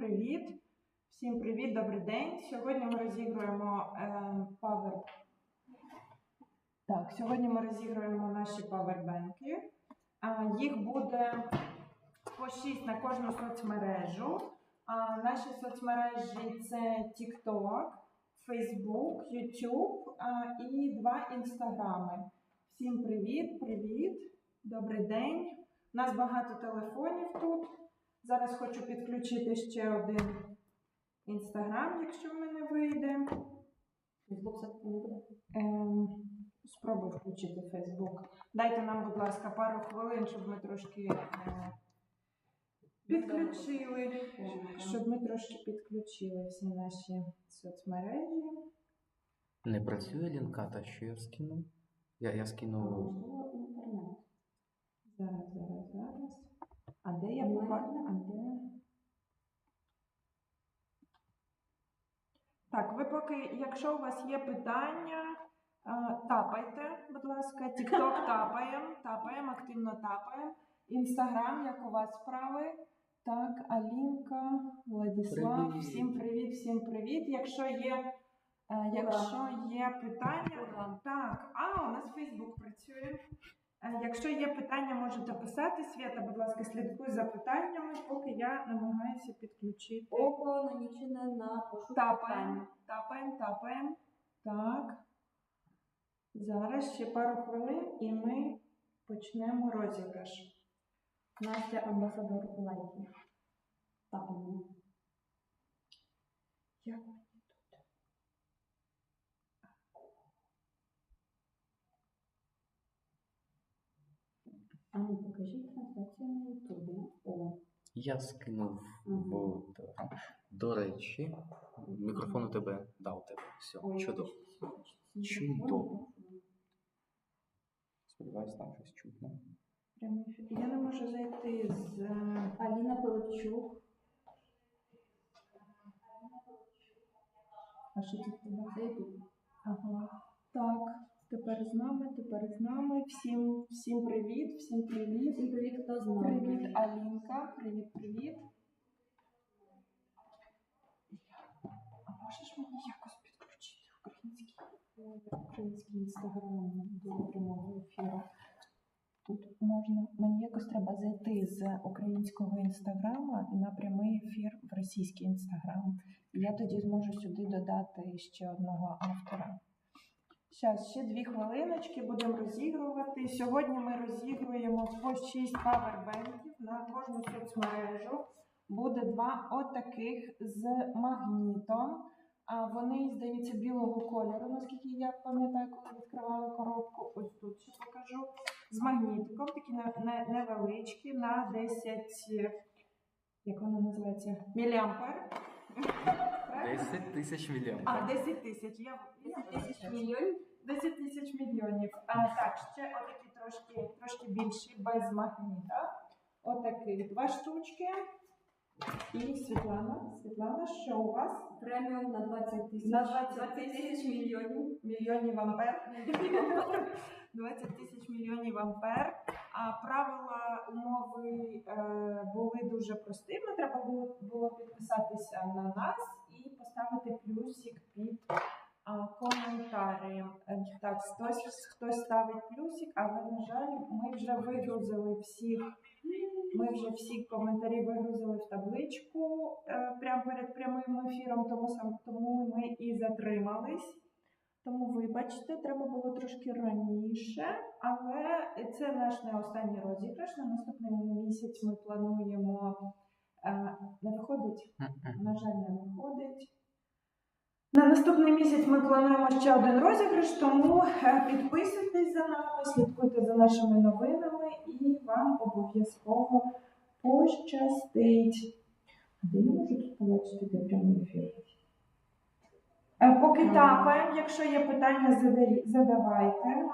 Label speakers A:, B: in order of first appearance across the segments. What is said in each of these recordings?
A: привіт! Всім привіт, добрий день! Сьогодні ми розігруємо наші павербенки. Їх буде по 6 на кожну соцмережу. Наші соцмережі це TikTok, Facebook, YouTube і 2 інстаграми. Всім привіт! Добрий день! У нас багато телефонів тут. Зараз хочу підключити ще один інстаграм, якщо в мене вийде.
B: Фейсбук все-таки не буде?
A: Спробую включити Фейсбук. Дайте нам, будь ласка, пару хвилин, щоб ми трошки підключили всі наші соцмережі.
C: Не працює лінката, що я скину? Я скину...
B: Інтернет.
A: Зараз. А де я побачила? Так, ви поки, якщо у вас є питання, тапайте, будь ласка, TikTok тапаємо, активно тапаємо. Інстаграм, як у вас справи? Так, Алінка, Владислав,
C: Привіт.
A: Всім привіт. Якщо є питання, у нас Фейсбук працює. Якщо є питання, можете писати. Свята, будь ласка, слідкуй за питаннями, поки я намагаюся підключити.
B: Око нанічене на пошук.
A: Тапаємо. Так. Зараз ще пару хвилин і ми почнемо розіграш.
B: Настя амбасадор лайків. Тапаємо.
A: Як мені тут?
B: Ну покажіть трансляцію на Ютубі.
C: Я скинув в Телеграм. До речі, мікрофон у тебе дав тебе. Все, чудово. Чудово. Сподіваюсь, там щось чутно.
A: Я не можу зайти з...
B: Аліна Пилипчук.
A: А що тут тебе?
B: Це Ютуб.
A: Ага. Так, тепер з нами. Всім привіт.
B: Всім привіт, хто з нами.
A: Привіт, Алінка. Привіт. А можеш мені якось підключити український інстаграм до прямого ефіру? Тут можна, мені якось треба зайти з українського інстаграма на прямий ефір в російський інстаграм. Я тоді зможу сюди додати ще одного автора. Зараз, ще 2 хвилиночки, будемо розігрувати. Сьогодні ми розігруємо по 6 павербенків на кожну соцмережу. Буде 2 отаких з магнітом. Вони, здається, білого кольору, наскільки я пам'ятаю, коли відкривала коробку. Ось тут ще покажу. З магнітиком, такі невеличкі, на 10, як вона називається, міліампер.
C: 10 тисяч мільйонів.
A: 10 тисяч.
B: 10 мільйонів?
A: 10 тисяч мільйонів. Так, ще отакі трошки більші, без магніта. Отакі 2 штучки. І Світлана, що у вас?
B: Преміум на 20 тисяч.
A: На 20 тисяч мільйонів ампер. 20 тисяч мільйонів ампер. Правила умови були дуже простими. Треба було підписатися на нас і поставити плюсик під коментарі. Так, хтось ставить плюсик, але, на жаль, ми вже вигрузили всі коментарі вигрузили в табличку прямо перед прямим ефіром, тому ми і затримались. Тому, вибачте, треба було трошки раніше, але це наш не останній розіграш. На наступний місяць ми плануємо... Не виходить? На жаль, не виходить. На наступний місяць ми плануємо ще один розіграш, тому підписуйтесь за нами, слідкуйте за нашими новинами і вам обов'язково пощастить. А де я можу тут побачити, де прямий ефір? Поки тапаємо, якщо є питання, задавайте.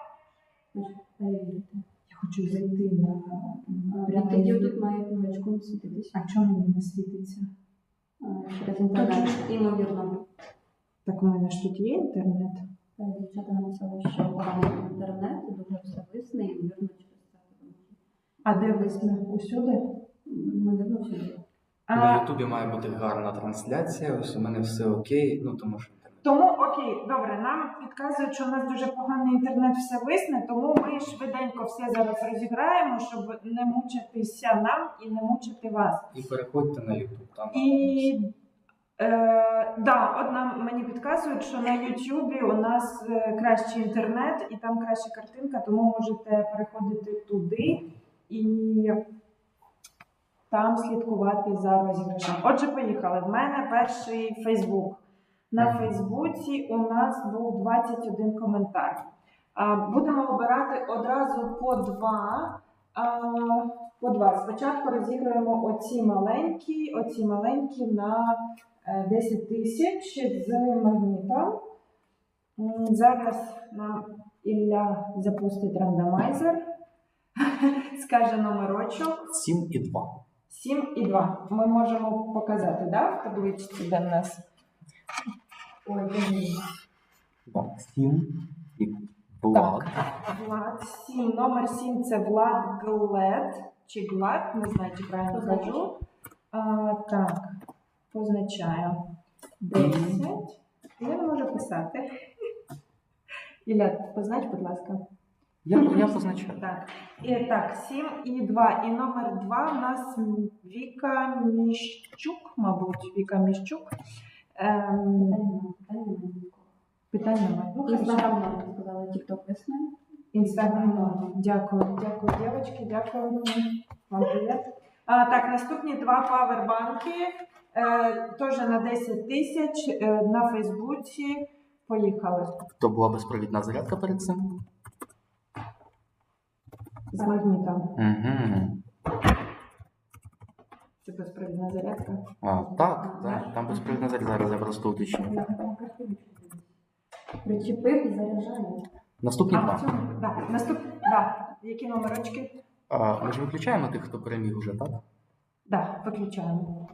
A: Я хочу зайти на
B: Тоді тут має книжечку світитись.
A: А чому мені не світиться?
B: Через інтернет, імовірно.
A: Так у мене ж тут є інтернет.
B: Дівчата написали, що поганий інтернет, дуже все висне, імовірно через це.
A: А де висне? Усюди?
B: Імовірно всюди.
C: На Ютубі має бути гарна трансляція, ось у мене все окей, ну тому що інтернет.
A: Тому окей, добре, нам підказують, що у нас дуже поганий інтернет все висне, тому ми швиденько все зараз розіграємо, щоб не мучитися нам і не мучити вас.
C: І переходьте на Ютуб. Там
A: І мені підказують, що на Ютубі у нас кращий інтернет і там краща картинка, тому можете переходити туди і там слідкувати за розіграшем. Отже, поїхали. В мене перший Фейсбук. На Фейсбуці у нас був 21 коментар. Будемо обирати одразу по два. Спочатку розіграємо оці маленькі на 10 тисяч з магнітом. Зараз нам Ілля запустить рандомайзер. Скаже номерочок.
C: 7 і 2.
A: 7 і 2. Ми можемо показати, да, в табличці, де в нас? Ой,
C: Так, 7 і Влад.
A: Влад 7. Номер 7 це Влад Глед. Чи Глад, не знаю, чи правильно кажу. Так, позначаю. 10. Я не можу писати. Ілля, познач, будь ласка.
C: Я позначаю.
A: Так. І так, 7 і 2. І номер 2 у нас Віка Міщук, мабуть. Віка Міщук. Питання немає.
B: Інстаграм нам сказали, тікток весни.
A: Інстаграм. Дякую, дівчатки, дякую. Вам привіт. Так, наступні два павербанки. Теж на 10 тисяч на Фейсбуці. Поїхали.
C: То була безпровідна зарядка перед цим?
A: З магнітом.
C: Угу.
A: Це безпровідна зарядка.
C: Так, там безпровідна зарядка. Зараз я просто уточню.
B: Причепив і заряджає.
C: Наступні два.
A: Які номерочки?
C: Ми ж виключаємо тих, хто переміг уже, так?
A: Так, виключаємо.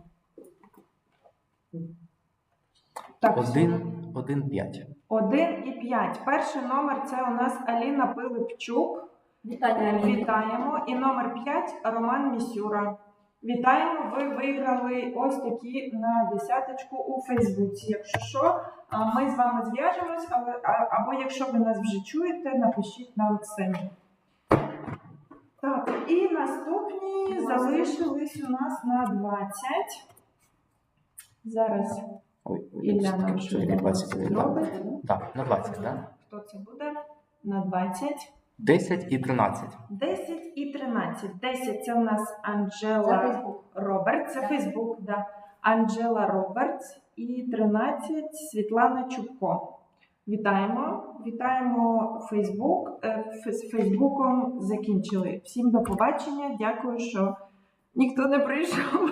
A: Так,
C: 1, 5.
A: 1 і 5. Перший номер це у нас Аліна Пилипчук.
B: Вітання.
A: Вітаємо. І номер 5 Роман Місюра. Вітаємо, ви виграли ось такі на десяточку у Фейсбуці. Якщо що, ми з вами зв'яжемось, або якщо ви нас вже чуєте, напишіть нам самі. Так, і наступні залишились у нас на 20. Зараз Ілля нам швидко зробить.
C: Так, на 20, так?
A: Хто це буде? На 20.
C: 10 і 13.
A: 10 і 13. 10 це у нас Анджела Робертс. Це Фейсбук, да. Анджела Робертс. І 13 Світлана Чубко. Вітаємо. Вітаємо Фейсбук. З Фейсбуком закінчили. Всім до побачення. Дякую, що ніхто не прийшов.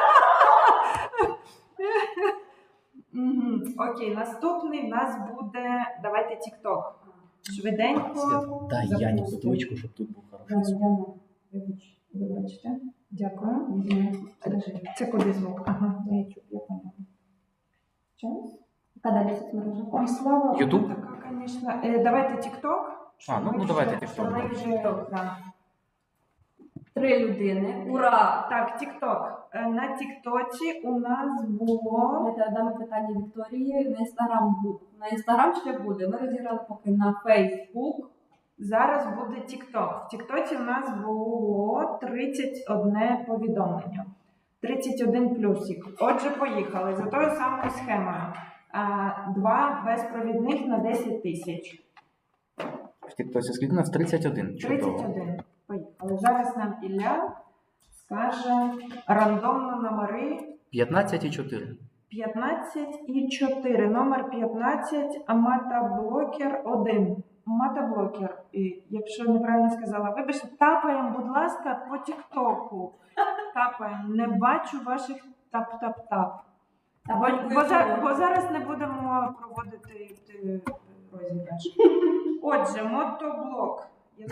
A: Окей, наступний в нас буде, давайте TikTok. Швиденько.
C: Дай Яні бутилочку, щоб тут був хороший звук.
A: Вибачте. Дякую. Це куди звук? Ага, на YouTube, я поняла. Час?
B: Яка далі соцмережа?
A: Ой, слава.
C: YouTube?
A: Така, звісно. Давайте TikTok.
C: Давайте TikTok.
A: Ми вже, да.
B: 3 людини. Ура!
A: Так, TikTok. На Тіктоці у нас було...
B: Давайте дамо питання Вікторії. На Інстаграм ще буде. Ми розіграли поки на Фейсбук.
A: Зараз буде TikTok. В Тіктоці у нас було 31 повідомлення. 31 плюсик. Отже, поїхали. За тою самою схемою. 2 безпровідних на 10 тисяч.
C: В Тіктосі скільки у нас? 31.
A: 31. Поїхали. Зараз нам Ілля скаже рандомно номери.
C: 15 і 4.
A: 15 і 4. Номер 15 Матаблокер 1. Матаблокер. І, якщо неправильно сказала, вибачте, тапаємо, будь ласка, по Тіктоку. Тапаємо. Не бачу ваших тап-тап-тап. Бо зараз не будемо проводити розіграш. Отже, мотоблок.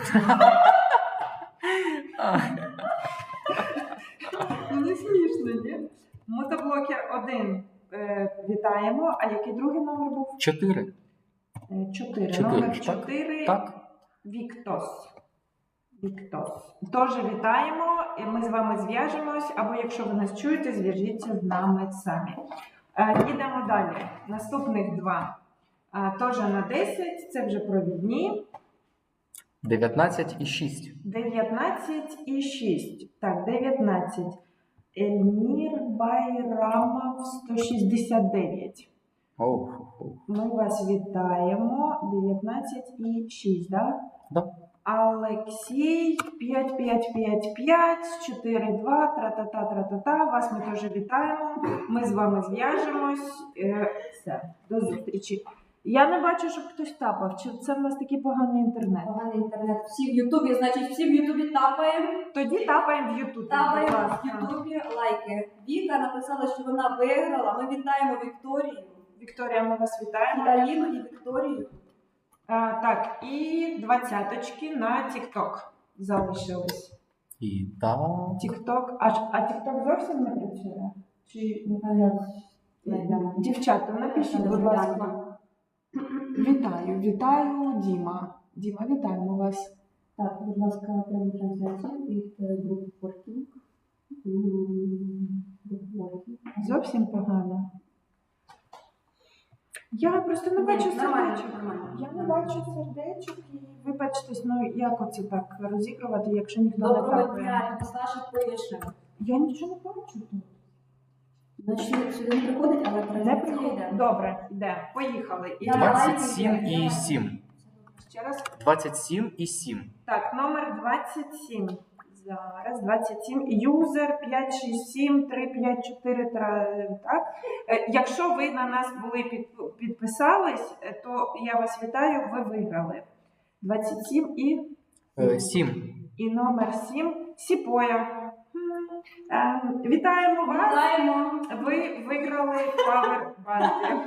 A: Не смішно, ні? Мотоблокер 1. Вітаємо. А який другий номер був?
C: 4.
A: 4. Номер 4.
C: Так.
A: Віктос. Тож вітаємо. і ми з вами зв'яжемось, або якщо ви нас чуєте, зв'яжіться з нами самі. Їдемо далі. Наступних два. Теж на 10, це вже провідні.
C: 19 і 6.
A: 19 і 6. Так, 19. Ельмір Байрамов 169.
C: Оу.
A: Ми вас вітаємо. 19 і 6, так?
C: Да.
A: Олексій 5555 42 тра-та-та. Вас ми теж вітаємо. Ми з вами зв'яжемось. Все, до зустрічі. Я не бачу, щоб хтось тапав. Чи це в нас такий поганий інтернет?
B: Поганий інтернет. Всі в Ютубі, значить, всі в Ютубі тапаємо.
A: Тоді тапаємо в Ютубі.
B: Тапаємо
A: будь
B: в
A: ласка.
B: Ютубі лайки. Віка написала, що вона виграла. Ми вітаємо Вікторію.
A: Вікторія, ми вас вітаємо.
B: І Аліну, і Вікторію.
A: Так, і 20-очки на TikTok залишились.
C: І так.
A: TikTok, а TikTok зовсім не працює? Чи дівчата, напишіть, будь ласка. Вітаю, Діма. Діма, вітаємо вас.
B: Так, будь ласка, прямо трансляція від групи Working.
A: Зовсім погано. Я просто не бачу
B: Нормально,
A: сердечок.
B: нормально.
A: Я не бачу сердечок і вибачтесь, ну як оце так розігрувати, якщо ніхто не
B: Доброго
A: тапає.
B: дня, Саша пише.
A: Я нічого не бачу тут.
B: Значить, сюди не приходить, але
A: Не
B: трансляція
A: приходить.
B: йде.
A: Добре, йде. Поїхали. І
B: Давай.
C: 27 і 7.
A: ще раз.
C: 27 і 7.
A: Так, номер 27. Зараз 27. Юзер 567 354. Так. Якщо ви на нас були підписались, то я вас вітаю, ви виграли. 27 і
C: 7.
A: і номер 7. Сіпоя. Вітаємо вас.
B: Вітаємо.
A: Ви виграли павербанки.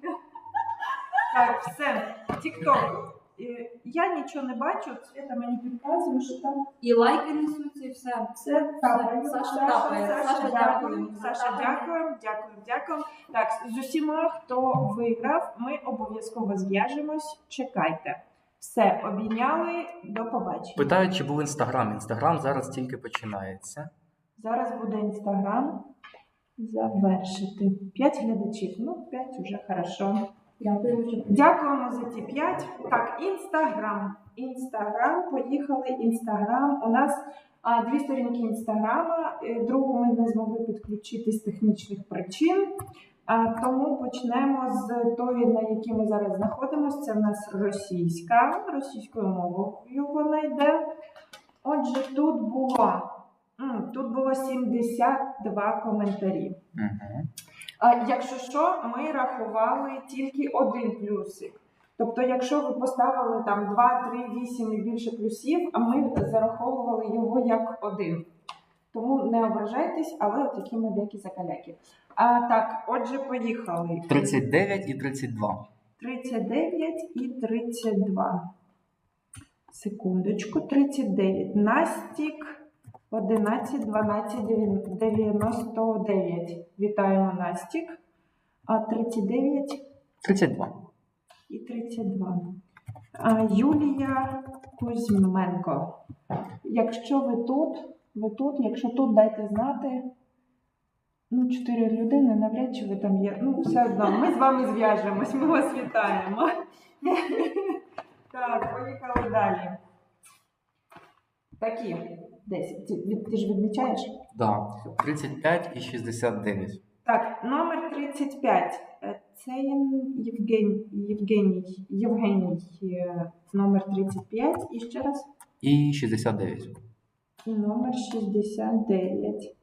A: Так, все. TikTok. Я нічого не бачу, Свята мені підказує, що там
B: І лайки несуться, і все.
A: все тапає.
B: Саша тапає. Саша, дякую.
A: Саша, дякую. Так, з усіма, хто виграв, ми обов'язково зв'яжемось. Чекайте. Все, обійняли, до побачення.
C: Питають, чи був Інстаграм. Інстаграм зараз тільки починається.
A: Зараз буде Інстаграм. Завершити. 5 глядачів. Ну, 5 вже хорошо.
B: Дякую, що
A: Дякуємо за ті 5. Так, Інстаграм. Поїхали. Інстаграм. У нас 2 сторінки Інстаграма. Другу ми не змогли підключити з технічних причин. Тому почнемо з тої, на якій ми зараз знаходимося. Це в нас російська. Російською мовою вона йде. Отже, тут було 72 коментарі.
C: Угу.
A: Якщо що, ми рахували тільки один плюсик. Тобто, якщо ви поставили там 2, 3, 8 і більше плюсів, а ми зараховували його як один. Тому не ображайтесь, але от такі ми деякі закаляки. Так, отже, поїхали.
C: 39 і 32.
A: 39 і 32. Секундочку, 39. Настік 11, 12, 99. Вітаємо, Настік. 39
C: 32.
A: і 32. Юлія Кузьменко. Якщо ви тут, якщо тут, дайте знати. 4 людини, навряд чи ви там є. Все одно, ми з вами зв'яжемось, ми вас вітаємо. Так, поїхали далі. Такі. 10. Ти ж відмічаєш?
C: Да. 35 і 69.
A: Так, номер 35. Це Євгеній. Номер 35. І ще раз.
C: І 69.
A: І номер 69.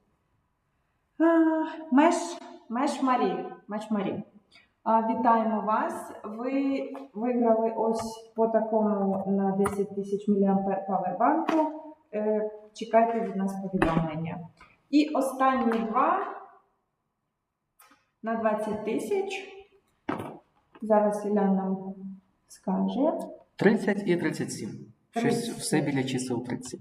A: Меш Марі. Вітаємо вас. Ви виграли ось по такому на 10 тисяч мА павербанку. Чекайте від нас повідомлення. І останні два на 20 тисяч. Зараз Ілля нам скаже.
C: 30 і 37. Щось
A: 30.
C: все біля чисел 30.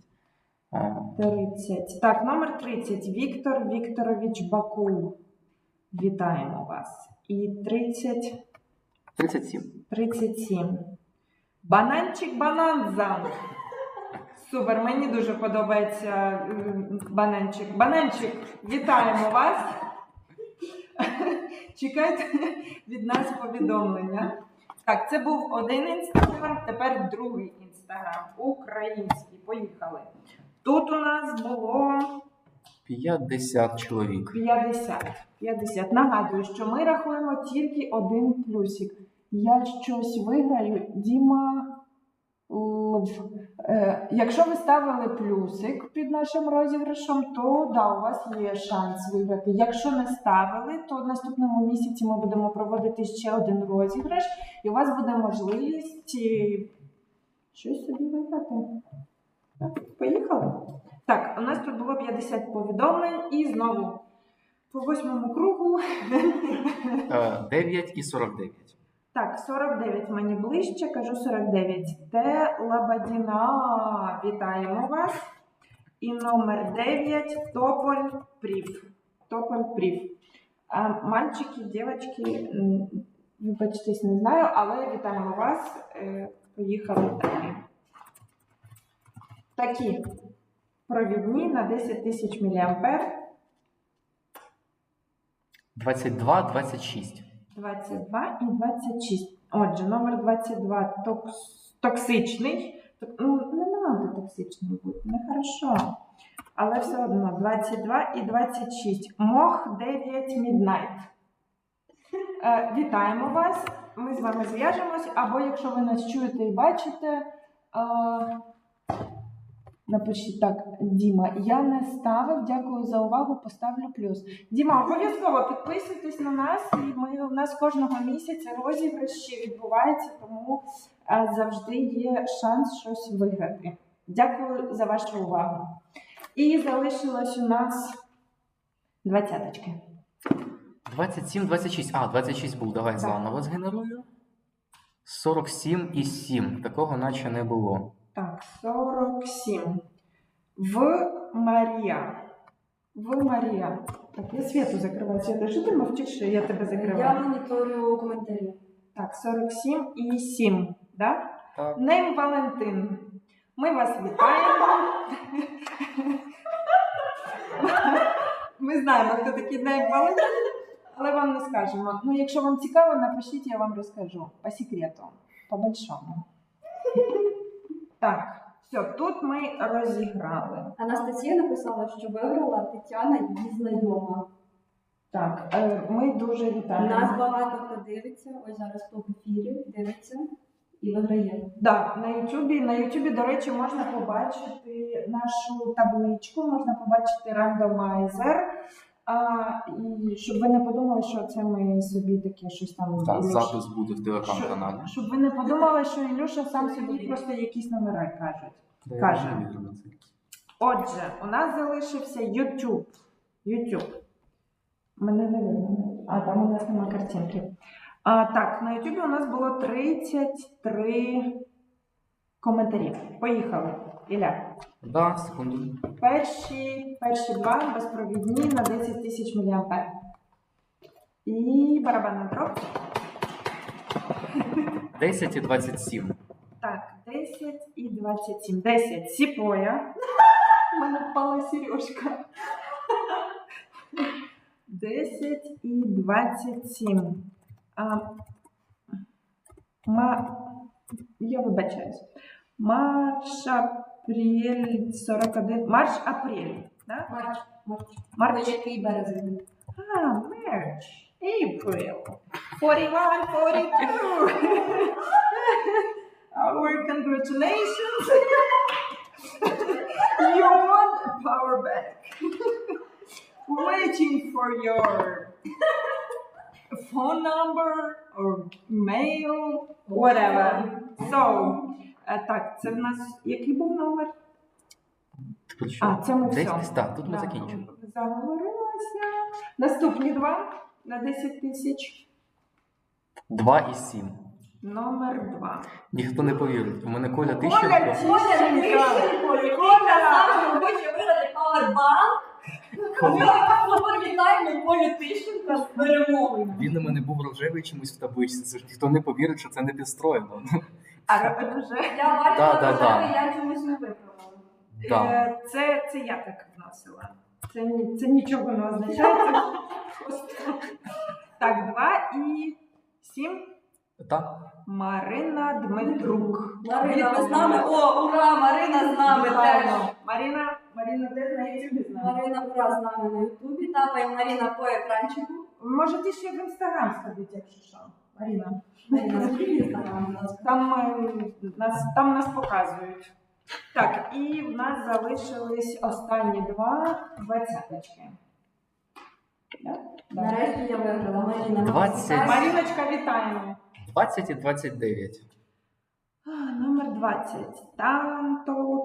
A: 30. Так, номер 30. Віктор Вікторович Бакул. Вітаємо вас. І 30.
C: 37.
A: 37. Бананчик Бананза. Супер, мені дуже подобається бананчик. Бананчик, вітаємо вас. Чекайте від нас повідомлення. Так, це був один інстаграм, тепер другий інстаграм. Український. Поїхали. Тут у нас було
C: 50 чоловік.
A: 50. Нагадую, що ми рахуємо тільки один плюсик. Я щось виграю, Діма. Якщо ви ставили плюсик під нашим розіграшем, то да, у вас є шанс виграти. Якщо не ставили, то в наступному місяці ми будемо проводити ще один розіграш, і у вас буде можливість щось собі виграти. Так, поїхали. Так, у нас тут було 50 повідомлень і знову по 8-му кругу.
C: 9 і 49.
A: Так, 49 мені ближче, кажу 49. Те Лабадіна, вітаємо вас. І номер 9 Тополь Прів. Тополь Прів. Мальчики, дівчатки, вибачтесь, не знаю, але вітаємо вас. Поїхали далі. Такі провідні на 10 тисяч мА.
C: 22, 26.
A: 22 і 26. Отже, номер 22 токсичний. Не треба токсичним бути, нехорошо. Але все одно 22 і 26. Мох 9 Midnight. Вітаємо вас. Ми з вами зв'яжемось. Або якщо ви нас чуєте і бачите, напишіть так, Діма, я не ставив, дякую за увагу, поставлю плюс. Діма, обов'язково підписуйтесь на нас, і у нас кожного місяця розіграші відбуваються, тому завжди є шанс щось виграти. Дякую за вашу увагу. І залишилось у нас 20-очки.
C: 27, 26. 26 був, давай заново згенерую. 47 і 7. Такого наче не було.
A: Так, 47. В Марія. Так, я світу закриваю. Свята, що ти мовчиш, що я тебе закриваю?
B: Я моніторю коментарі.
A: Так, 47 і 7, да?
C: Так.
A: Нейм Валентин. Ми вас вітаємо. Ми знаємо, хто такий Нейм Валентин, але вам не скажемо. Ну, якщо вам цікаво, напишіть, я вам розкажу. По секрету, по большому. Так, все, тут ми розіграли.
B: Анастасія написала, що виграла Тетяна, її знайома.
A: Так, ми дуже вітаємо.
B: Нас багато хто дивиться, ось зараз хто в ефірі дивиться і виграє.
A: Так, на Ютубі, до речі, можна побачити нашу табличку, можна побачити рандомайзер. І щоб ви не подумали, що це ми собі таке щось там...
C: Так, запис буде в телеграм-каналі.
A: Щоб ви не подумали, що Ілюша сам собі просто якісь номери каже. Отже, у нас залишився YouTube. Мене не видно. Там у нас немає картинки. Так, на YouTube у нас було 33 коментарі. Поїхали. Ілля.
C: Да, секунду.
A: Перші два безпровідні на 10 тисяч мА. І барабанна дробь.
C: 10 і 27.
A: Так, 10 і 27. 10. Сіпоя. У мене впала сережка. 10 і 27. Я вибачаюсь. Марш-апрель 41. Марш-апрель. Да?
B: Марч. Який березень?
A: March. April. 41, 42. Our congratulations. You won a power bank. Waiting for your phone number or mail, whatever. So, так, це в нас який був номер? Це ми все.
C: Так, тут ми закінчимо.
A: Заговорилася. Наступні два на 10 тисяч.
C: 2 і 7.
A: Номер 2.
C: Ніхто не повірить. У мене Коля
A: Коля
C: Тищенко.
B: Коля сам хоче виграти павербанк. Ми вітаємо Колю Тищенка з перемогою.
C: Він у мене був рожевий чомусь в табличці. Це ж ніхто не повірить, що це не підстроєно.
A: А вже
B: Я бачила,
C: Да.
B: я чомусь не виправила.
C: Да.
A: Це я так вносила. Це нічого не означає. Це просто... Так, 2 і 7.
C: Так?
A: Марина Дмитрук.
B: Марина, ви з нами? О, ура! Марина з нами теж.
A: Вітаємо. Марина теж на YouTube з нами.
B: Марина, ура, з нами на Ютубі. Тапаємо Маріна по екранчику.
A: Можете ще в Інстаграм сходити, якщо що. Марина.
B: Маріна, скільки інстаграм, будь ласка.
A: Там нас показують. Так, і в нас залишились останні 2 двадцяточки. Да? Да.
B: Нарешті я виграла. Маріна,
C: 20.
A: Маріночка, вітаємо.
C: 20 і 29.
A: Номер 20. Танто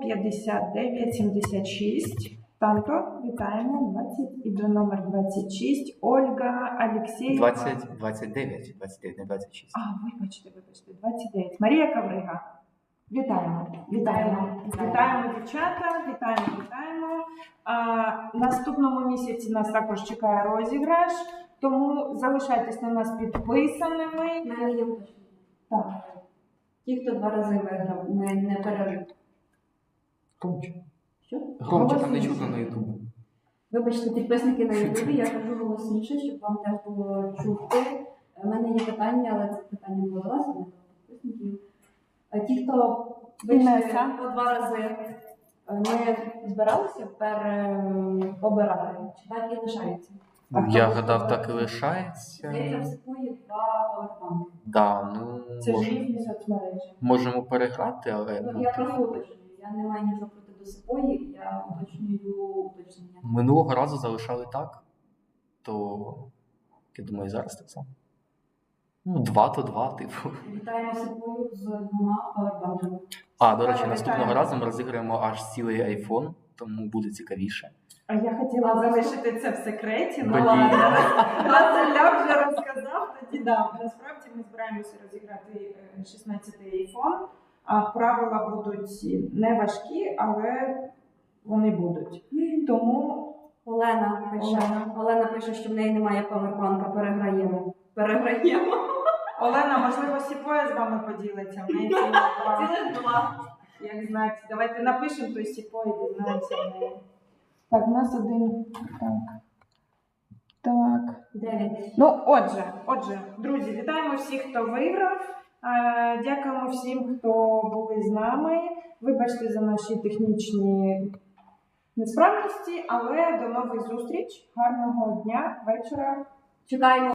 A: 5976. Танто, вітаємо. 20. І до номер 26. Ольга Алексєєва.
C: 29, не 26.
A: Вибачте, 29. Марія Каврига. Вітаємо. Вітаємо, дівчата. Вітаємо. Наступному місяці нас також чекає розіграш, тому залишайтесь на нас підписаними.
B: Мене є уточнення.
A: Так.
B: Ті, хто 2 рази виграв, ми не пережив.
C: Громче.
B: Що?
C: Громче, там не чутно на Ютубу.
B: Вибачте, підписники на Ютубі, я кажу голосніше, щоб вам теж було чути. У мене є питання, але це питання було до вас, а не до підписників. Ті, хто вийшли
A: Інеса.
B: по 2 рази, ми збиралися переобирати, чи так і лишається?
C: Я гадав, так і лишається.
B: Здається, в Сипуї 2 павербанки.
C: Да,
A: Це ж
C: може,
A: різні соцмережі.
C: можемо переграти, але
B: Ну, я просто уточнюю, я не маю нічого проти до Сипуї, я уточнюю уточнення.
C: минулого разу залишали так, то я думаю, і зараз так само. 2 то 2, типу.
B: Вітаємо Сипую з 2 павербанками.
C: До речі, наступного разу ми розіграємо аж цілий iPhone, тому буде цікавіше.
A: А я хотіла залишити це в секреті,
C: Блін.
A: але Василя вже розказав. Тоді насправді ми збираємося розіграти 16-й iPhone. Правила будуть не важкі, але вони будуть. Тому
B: Олена пише, що в неї немає павербанка, переграємо.
A: Олена, можливо, Сіпоя з вами поділиться. В неї цілих 2.
B: Цілих 2.
A: Як знаєте, давайте напишемо той Сіпої, дізнаємося в неї. Так, у нас один. Так.
B: 9.
A: Ну, отже, друзі, вітаємо всіх, хто виграв. Дякуємо всім, хто були з нами. Вибачте за наші технічні несправності, але до нових зустріч. Гарного дня, вечора.
B: Чекаємо